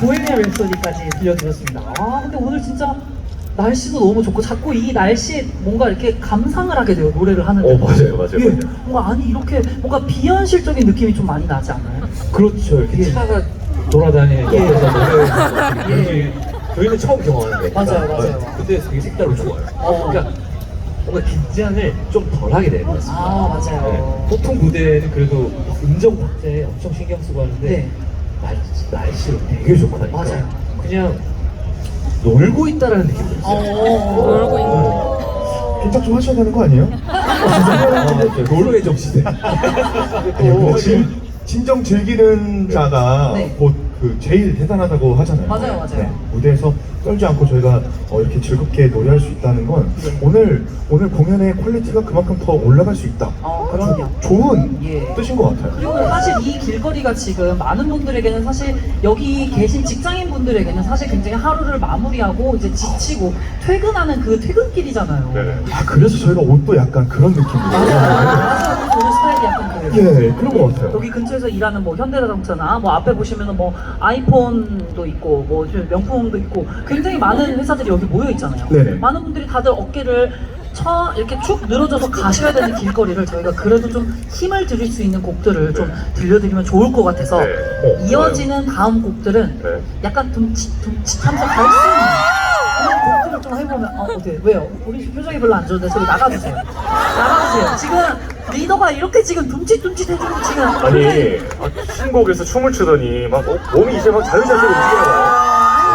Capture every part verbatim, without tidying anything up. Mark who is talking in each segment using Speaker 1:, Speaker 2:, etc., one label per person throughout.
Speaker 1: 보헤미안 랩소디까지 들려드렸습니다. 아 근데 오늘 진짜 날씨도 너무 좋고 자꾸 이 날씨에 뭔가 이렇게 감상을 하게 돼요, 노래를 하는데.
Speaker 2: 어 맞아요 맞아요.
Speaker 1: 예,
Speaker 2: 맞아요.
Speaker 1: 뭔가 아니 이렇게 뭔가 비현실적인 느낌이 좀 많이 나지 않아요?
Speaker 2: 그렇죠. 이렇게
Speaker 1: 예.
Speaker 2: 차가 돌아다니는
Speaker 1: 예.
Speaker 2: 옆에서 노래
Speaker 1: 예.
Speaker 2: 저희는 처음 경험하는 거예요.
Speaker 1: 맞아요, 맞아요.
Speaker 2: 근데 되게 색다르고 좋아요.
Speaker 1: 어.
Speaker 2: 그러니까 뭔가 긴장을 좀 덜하게 되는 것 같습니다.
Speaker 1: 아 맞아요.
Speaker 2: 네. 보통 무대는 그래도 음정 박자에 엄청 신경 쓰고 하는데
Speaker 1: 네.
Speaker 2: 날, 날씨가 되게 좋고 하니까
Speaker 1: 맞아요.
Speaker 2: 그냥 놀고 있다라는 느낌이 들었어요.
Speaker 1: 어.
Speaker 3: 놀고 있는.
Speaker 4: 긴장 좀 하셔야 되는 거 아니에요?
Speaker 2: 노르웨이 정시대.
Speaker 4: 또 진, 진정 즐기는 자가
Speaker 1: 네.
Speaker 4: 곧 그 제일 대단하다고 하잖아요.
Speaker 1: 맞아요, 맞아요.
Speaker 4: 무대에서 떨지 않고 저희가 어, 이렇게 즐겁게 노래할 수 있다는 건
Speaker 1: 네.
Speaker 4: 오늘 오늘 공연의 퀄리티가 그만큼 더 올라갈 수 있다.
Speaker 1: 어,
Speaker 4: 그런
Speaker 1: 그럼요.
Speaker 4: 좋은
Speaker 1: 예.
Speaker 4: 뜻인 것 같아요.
Speaker 1: 그리고 사실 이 길거리가 지금 많은 분들에게는 사실 여기 계신 직장인 분들에게는 사실 굉장히 하루를 마무리하고 이제 지치고 퇴근하는 그 퇴근길이잖아요.
Speaker 2: 네.
Speaker 4: 아 그래서 저희가 옷도 약간 그런 느낌으로.
Speaker 1: 맞아요. 오늘 스타일이 약간 그래요.
Speaker 4: 예, 그런 것 같아요.
Speaker 1: 여기 근처에서 일하는 뭐 현대자동차나 뭐 앞에 보시면은 뭐 아이폰도 있고 뭐 요즘 명품도 있고 굉장히 많은 회사들이 여기 모여 있잖아요.
Speaker 4: 네네.
Speaker 1: 많은 분들이 다들 어깨를 쳐 이렇게 축 늘어져서 가셔야 되는 길거리를 저희가 그래도 좀 힘을 드릴 수 있는 곡들을 좀 들려드리면 좋을 것 같아서
Speaker 2: 네. 어,
Speaker 1: 이어지는 다음 곡들은
Speaker 2: 네.
Speaker 1: 약간 둠칫둠칫하면서 갈 수 있는 그런 곡들을 좀 해보면 어 어때 왜요? 우리 표정이 별로 안 좋은데 저기 나가주세요. 나가주세요. 지금 리더가 이렇게 지금 둠칫둠칫 해주고 지금
Speaker 5: 아니 아, 신곡에서 춤을 추더니 막 어, 몸이 이제 막 자유자재로 움직여요.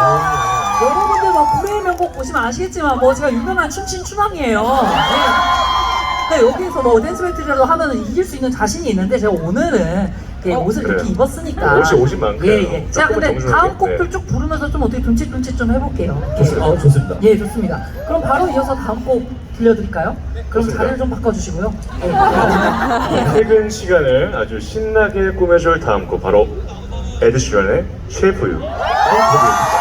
Speaker 1: 여러분들 막 불의 명곡 보시면 아시겠지만 뭐 제가 유명한 춤신 추방이에요. 네. 네, 여기서 뭐 댄스 배틀이라도 하면은 이길 수 있는 자신이 있는데 제가 오늘은 이렇게
Speaker 5: 어,
Speaker 1: 옷을
Speaker 5: 그래요.
Speaker 1: 이렇게 입었으니까
Speaker 5: 옷이 옷인 만큼
Speaker 1: 예, 예. 제가
Speaker 5: 조금은
Speaker 1: 근데
Speaker 5: 정중하게,
Speaker 1: 다음 곡들
Speaker 5: 네.
Speaker 1: 쭉 부르면서 좀 어떻게 둠칫둠칫 좀 해볼게요.
Speaker 2: 좋습니다. 어, 좋습니다.
Speaker 1: 예, 좋습니다. 그럼 바로 이어서 다음 곡 들려드릴까요? 그럼
Speaker 5: 좋습니다.
Speaker 1: 자리를 좀 바꿔주시고요. 예.
Speaker 5: 퇴근 시간을 아주 신나게 꾸며줄 다음 곡 바로 에드 시런의 쉐이프 유.